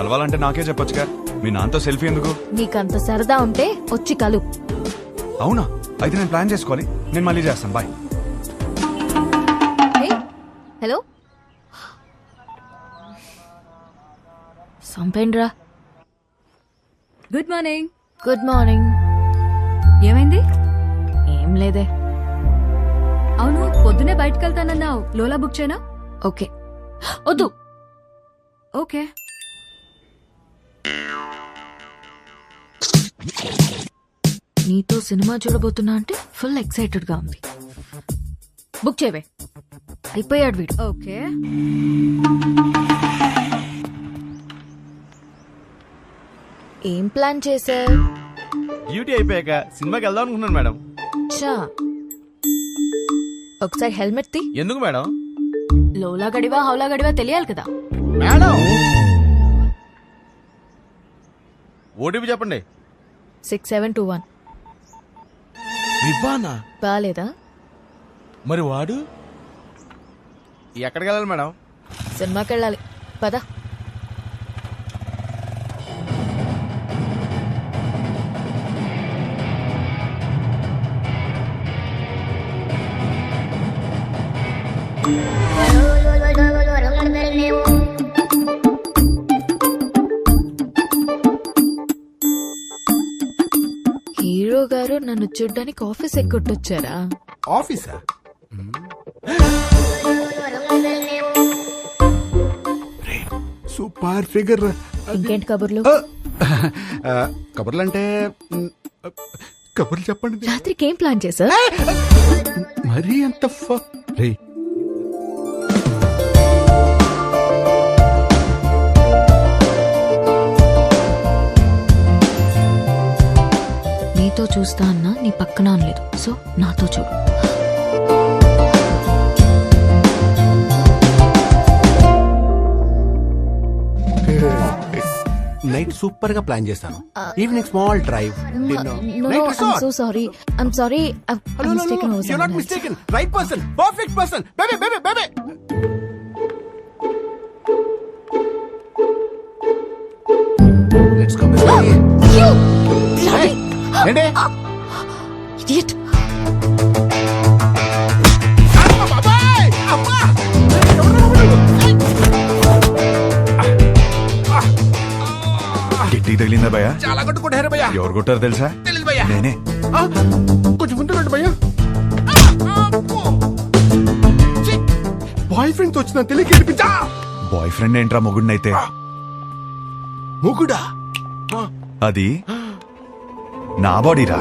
కలవాలంటే నాకే చెప్పొచ్చుగా, మీ నాన్నతో సెల్ఫీ ఎందుకు? నీకంత సరదా ఉంటే వచ్చి కలు. అవునా? అయితే నేను ప్లాన్ చేసుకోవాలి. నేను మళ్ళీ చేస్తాను. బాయ్. హలో, సంపేండ్రా. Good morning. Good morning. ఏమైంది? ఏం లేదే. అవును, పొద్దునే బయటకు వెళ్తానన్నావు. లోలా బుక్ చేయనా? ఓకే. వద్దు. ఓకే. నీతో సినిమా చూడబోతున్నా అంటే ఫుల్ ఎక్సైటెడ్ గా ఉంది. బుక్ చేయవే. అయిపోయాడు వీడు. ఓకే. ఏం ప్లాన్ చేశా? డ్యూటీ అయిపోయాక సినిమాకి వెళ్దాం అనుకున్నాను మేడం. చా, ఒకసారి హెల్మెట్ తీ. ఎందుకు మేడం? లోలా గడివా హౌలా గడివా తెలియాలి కదా. మేడం ఓటీపీ చెప్పండి. 6721. వివ్వానా? బాలేదా? మరి వాడు ఎక్కడికి వెళ్ళాలి మేడం? సినిమాకి వెళ్ళాలి. పద. హీరో గారు నన్ను చూడ్డానికి ఆఫీస్ ఎక్కొట్టొచ్చారా? ఆఫీసా? Super figure. ఇంకేంటి కబుర్లు? కబుర్లు అంటే కబుర్లు చెప్పండి. రాత్రికి ఏం ప్లాన్ చేశా? మరీ అంత రే, నీతో చూస్తా అన్నా నీ పక్కన అనలేదు. సో నాతో చూడు. నైట్ సూపర్ గా ప్లాన్ చేస్తాను. Evening small drive. So sorry. I'm sorry. You're not mistaken. Right person. Perfect person. Baby. Let's go, baby. Hey, ఏంటి? Idiot. అమ్మ బాబాయ్! అమ్మ! గిట్టి తగిలిందా భయ్యా? చాలా కొట్టుకుంటారు భయ్యా. ఎవరు కొట్టారు తెలుసా? తెలీదు భయ్యా. నేనే. కొంచెం ముందు రండి భయ్యా. బాయ్ ఫ్రెండ్ తో వచ్చిన తెలియక ఏడిపించా. బాయ్ ఫ్రెండ్ ఏంట్రా మొగుడినైతే? మొగుడా? అది నా బాడీరా.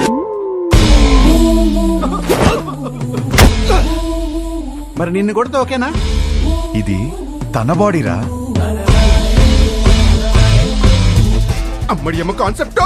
మరి నిన్ను కొడితే ఓకేనా? ఇది తన బాడీరా. అమ్మడి అమ్మ కాన్సెప్ట్.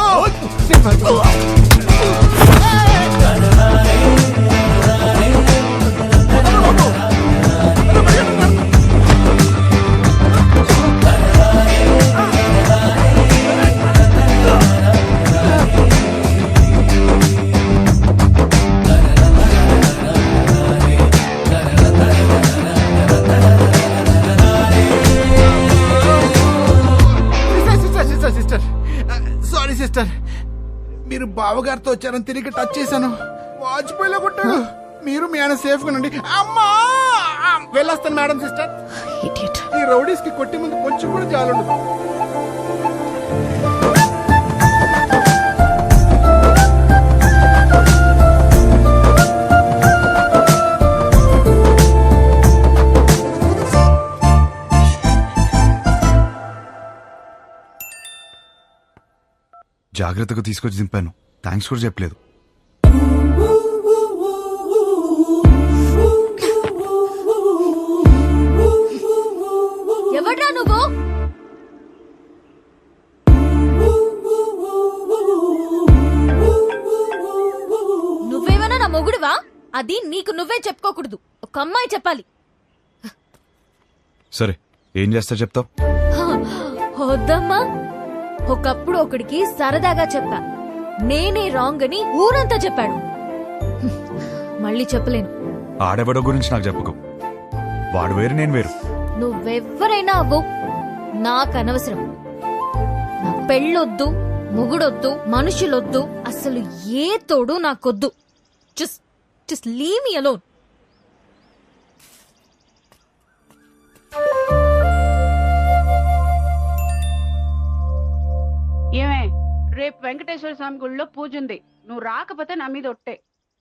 సిస్టర్ సారీ సిస్టర్, మీరు బావగారితో వచ్చారని తిరిగి టచ్ చేశాను. వాజ్పేయిలో కొట్టాడు. మీరు మీ ఆయన సేఫ్ గా ఉండండి. అమ్మా, వెళ్ళొస్తాను మేడం. Sister, Idiot. ఈ రౌడీస్ కి కొట్టి ముందు కొంచెం కూడా జాలుండదు. జాగ్రత్తగా తీసుకొచ్చి దింపాను. థ్యాంక్స్ కూడా చెప్పలేదు. ఎవడ్రా నువ్వు? నువ్వేమైనా నా మొగుడువా? అది నీకు నువ్వే చెప్పుకోకూడదు. ఒక అమ్మాయి చెప్పాలి. సరే, ఏం చేస్తా చెప్తావు? వద్దమ్మా. ఒకప్పుడు ఒకడికి సరదాగా చెప్పా, నేనే రాంగ్ అని ఊరంతా చెప్పాడు. మళ్ళీ చెప్పలేను. ఆడెవడో గురించి నాకు చెప్పుకో. వాడు వేరు, నేను వేరు. నువ్వెవ్వరైనా అవ్వు, నాకు అనవసరం. నా పెళ్ళొద్దు, మొగుడొద్దు, మనుషులొద్దు, అసలు ఏ తోడు నాకొద్దు. Just leave me alone. ఏమే, రేపు వెంకటేశ్వర స్వామి గుడిలో పూజ ఉంది. నువ్వు రాకపోతే నా మీద ఒట్టే.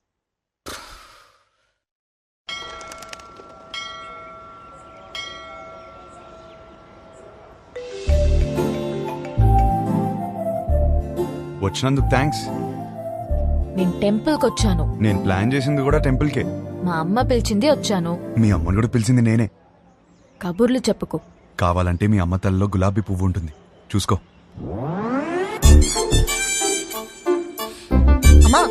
వచ్చినందుకు థ్యాంక్స్. నేను టెంపుల్కి వచ్చాను. నేను ప్లాన్ చేసింది కూడా టెంపుల్కే. మా అమ్మ పిలిచింది వచ్చాను. మీ అమ్మని కూడా పిలిచింది నేనే. కబుర్లు చెప్పుకో. కావాలంటే మీ అమ్మ తల్లిలో గులాబీ పువ్వు ఉంటుంది, చూసుకో. అమ్మా,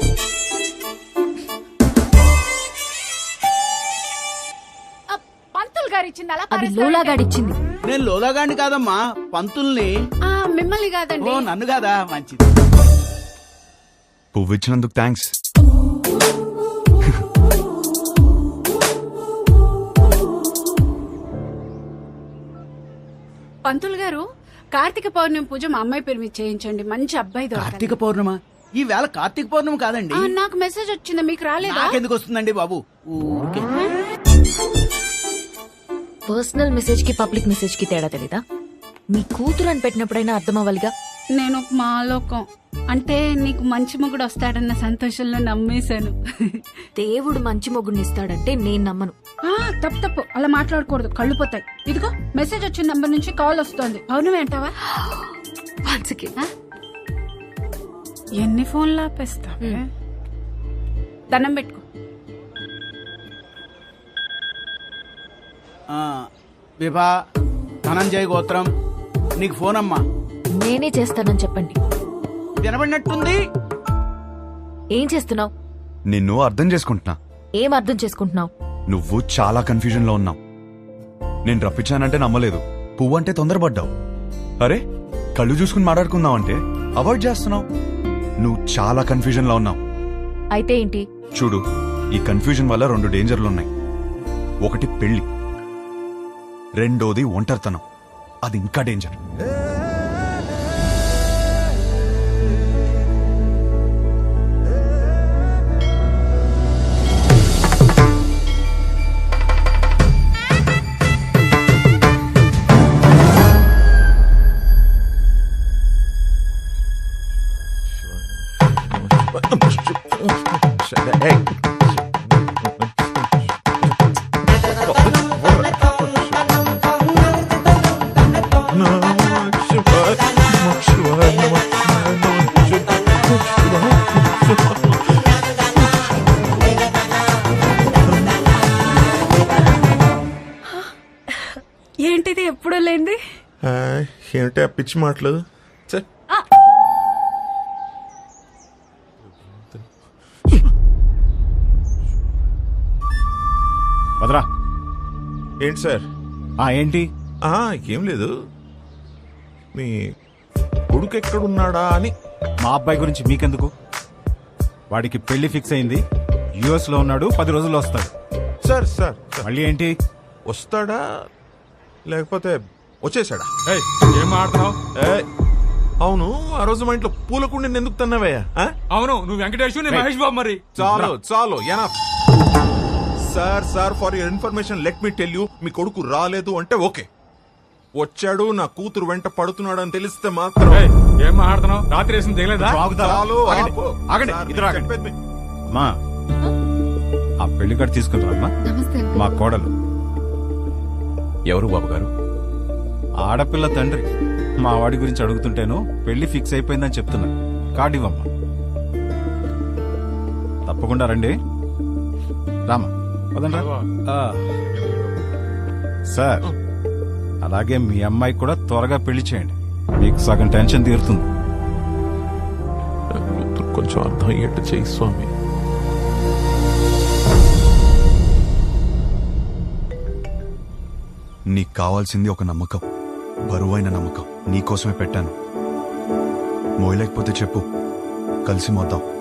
పంతులు గారు ఇచ్చింది అలా అది లోలాగాడిచ్చింది. నేను లోలాగాండి కాదమ్మా, పంతుల్ని. మిమ్మల్ని కాదండి. ఓ, నన్ను కాదా? మంచిది. పువ్వు ఇచ్చినందుకు థ్యాంక్స్. పంతులు గారు, కార్తీక పౌర్ణమి పూజ మా అమ్మాయి పేరు మీద చేయించండి. మంచి అబ్బాయి దొరకాలి. కార్తీక పౌర్ణమ? ఈ వేళ కార్తీక పౌర్ణమి కాదండి. నాకు మెసేజ్ వచ్చింది, మీకు రాలేదా? నాకెందుకు వస్తుందండి బాబు? ఊరికే. పర్సనల్ మెసేజ్ కి పబ్లిక్ మెసేజ్ కి తేడా తెలీదా? మీ కూతురు అని పెట్టినప్పుడైనా అర్థం అవ్వాలిగా. నేను ఒక మాలోకం అంటే నీకు మంచి మొగుడు వస్తాడన్న సంతోషంలో నమ్మేశాను. దేవుడు మంచి మొగుడిని ఇస్తాడంటే నేను నమ్మను. తప్పు అలా మాట్లాడకూడదు, కళ్ళు పోతాయి. ఇదిగో మెసేజ్ వచ్చిన నంబర్ నుంచి కాల్ వస్తోంది. అవును అంటావా? Once again. ఎన్ని ఫోన్లు ఆపేస్తా? దండం పెట్టుకో. విభా, ధనంజయ గోత్రం, నీకు ఫోన్ అమ్మా. నేనే చేస్తానని చెప్పండి. వినబడినట్టుంది. ఏం చేస్తున్నావు? నిన్ను అర్థం చేసుకుంటున్నా. ఏం అర్థం చేసుకుంటున్నావు? నువ్వు చాలా కన్ఫ్యూజన్ లో ఉన్నావు. నేను రప్పించానంటే నమ్మలేదు, పువ్వు అంటే తొందరపడ్డావు. అరే, కళ్ళు చూసుకుని మాట్లాడుకుందాం అంటే అవాయిడ్ చేస్తున్నావు. నువ్వు చాలా కన్ఫ్యూజన్ లో ఉన్నావు. అయితే ఏంటి? చూడు, ఈ కన్ఫ్యూజన్ వల్ల 2 డేంజర్లున్నాయి. ఒకటి పెళ్లి, రెండోది ఒంటరితనం. అది ఇంకా డేంజర్. ఏంటిది ఎప్పుడూ లేంది? ఏమిటి ఆ పిచ్చి మాటలు? వదరా. ఏంటి సార్? ఏంటి? ఏం లేదు, మీ కొడుకు ఎక్కడున్నాడా అని. మా అబ్బాయి గురించి మీకెందుకు? వాడికి పెళ్లి ఫిక్స్ అయింది, యుఎస్ లో ఉన్నాడు, 10 రోజుల్లో వస్తాడు. సార్ సార్ మళ్ళీ ఏంటి? వస్తాడా లేకపోతే వచ్చేసాడా? ఏం మాట్లాడుతున్నావు? అవును, ఆ రోజు మా ఇంట్లో పూలకుండి ఎందుకు తన్నావయ్యా? అవును, నువ్వు వెంకటేష్, నేను మహేష్ బాబు. మరి చాలు enough. Sir for your information let me tell you, మీ కొడుకు రాలేదు అంటే ఓకే, వచ్చాడు, నా కూతురు వెంట పడుతున్నాడు అని తెలిస్తే మాత్రం. ఏం మాట్లాడుతున్నావు? రాత్రి వేసిన తెలియదా? చాలు, ఆగండి, ఇద్దరు ఆగండి. చెప్పేది అమ్మా, ఆ పెళ్లి కార్డు తీసుకుంటారమ్మా. నమస్తే. మా కోడలు. ఎవరు బాబు గారు? ఆడపిల్ల తండ్రి. మా వాడి గురించి అడుగుతుంటేను పెళ్లి ఫిక్స్ అయిపోయిందని చెప్తున్నా. కార్డు ఇవ్వమ్మా. తప్పకుండా రండి. రామా, పదండి రా. సార్, అలాగే మీ అమ్మాయి కూడా త్వరగా పెళ్లి చేయండి, మీకు సగం టెన్షన్ తీరుతుంది. కొంచెం అర్థం అయ్యేట్టు చేయి స్వామి. నీకు కావాల్సింది ఒక నమ్మకం, బరువైన నమ్మకం. నీకోసమే పెట్టాను. మోయలేకపోతే చెప్పు, కలిసి మోద్దాం.